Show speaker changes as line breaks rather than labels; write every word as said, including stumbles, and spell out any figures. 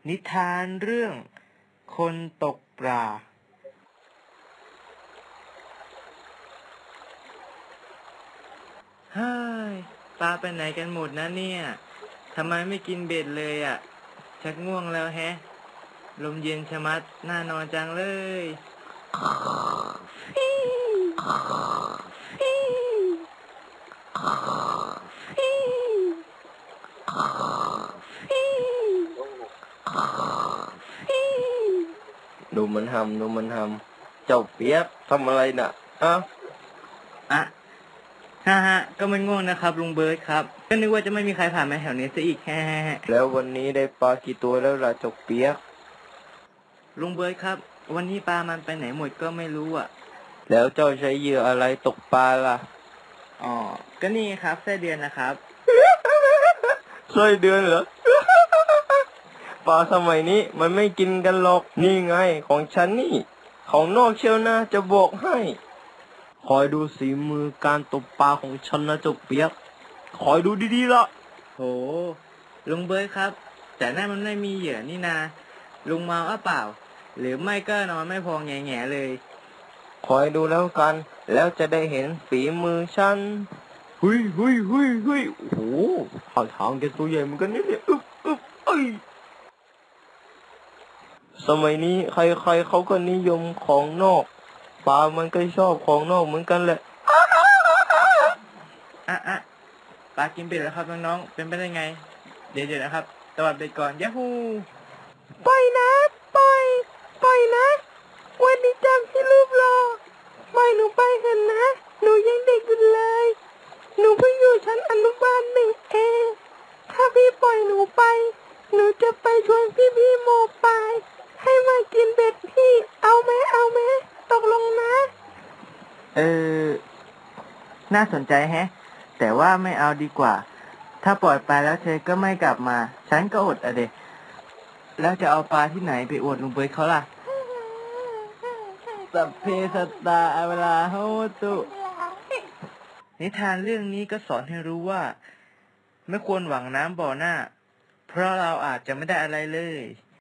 นิทานเรื่องคนตกปลาเฮ้ยปลาไปไหนกันหมดนะเนี่ยทำไมไม่กินเบ็ดเลยอ่ะชักง่วงแล้วแฮะลมเย็นชะมัดน่านอนจังเลย
ดูมันทำดูมันทำเจ้าเปียกทำอะไรน่ะอ้าว
อะฮ่าฮะก็ไม่ง่วงนะครับลุงเบิร์ดครับก็นึกว่าจะไม่มีใครผ่านมาแถวนี้ซะอีกแฮะ
แล้ววันนี้ได้ปลากี่ตัวแล้วล่ะเจ้าเปียก
ลุงเบิร์ดครับวันนี้ปลามันไปไหนหมดก็ไม่รู้อ่ะ
แล้วเจ้าใช้เหยื่ออะไรตกปลาล่ะ
อ๋อก็นี่ครับไส้เดือนนะครับ
ไส้เดือนเหรอ ปลาสมัยนี้มันไม่กินกันหรอกนี่ไงของฉันนี่ของนอกเชียวนะจะบอกให้คอยดูสีมือการตกปลาของฉันนะเจ้าเปียกคอยดูดีๆละ
โหลุงเบิร์ดครับแต่นั่นมันไม่มีเหยื่อนี่นาลุงเมาอ่ะเปล่าหรือไม่ก็นอนไม่พอแง่ๆเลย
คอยดูแล้วกันแล้วจะได้เห็นฝีมือฉันหุยหุยหุยหุยโอ้โหท่าทางแกตัวใหญ่เหมือนกันเนี่ยอึ๊บอึ๊บเอ้ยสมัยนี้ใครๆเขาก็นิยมของนอกปลามันก็ชอบของนอกเหมือนกันแหละ
อ่ะอ่ะปลากินเบ็ดแล้วครับน้องๆเป็นไปได้ไงเดี๋ยวๆนะครับตวัดเบ็ดก่อนยะฮู
ปล่อยนะปล่อยปล่อยนะวันนี้จำที่รูปรอปล่อยหนูไปเถอะนะหนูยังเด็กอยู่เลยหนูเพิ่งอยู่ชั้นอนุบาลหนึ่งเองถ้าพี่ปล่อยหนูไปหนูจะไปชวนพี่พี่โมปายให้มากินเบ็ดพี่เอาไหมเอาไหมตกลงนะ
เออน่าสนใจแฮะแต่ว่าไม่เอาดีกว่าถ้าปล่อยไปแล้วเธอก็ไม่กลับมาฉันก็อดอะเดะแล้วจะเอาปลาที่ไหนไปอวดลุงเบิร์ดเขาล่ะสัพเพสัตตาอเวลาโหตุนิทานเรื่องนี้ก็สอนให้รู้ว่าไม่ควรหวังน้ำบ่อหน้าเพราะเราอาจจะไม่ได้อะไรเลย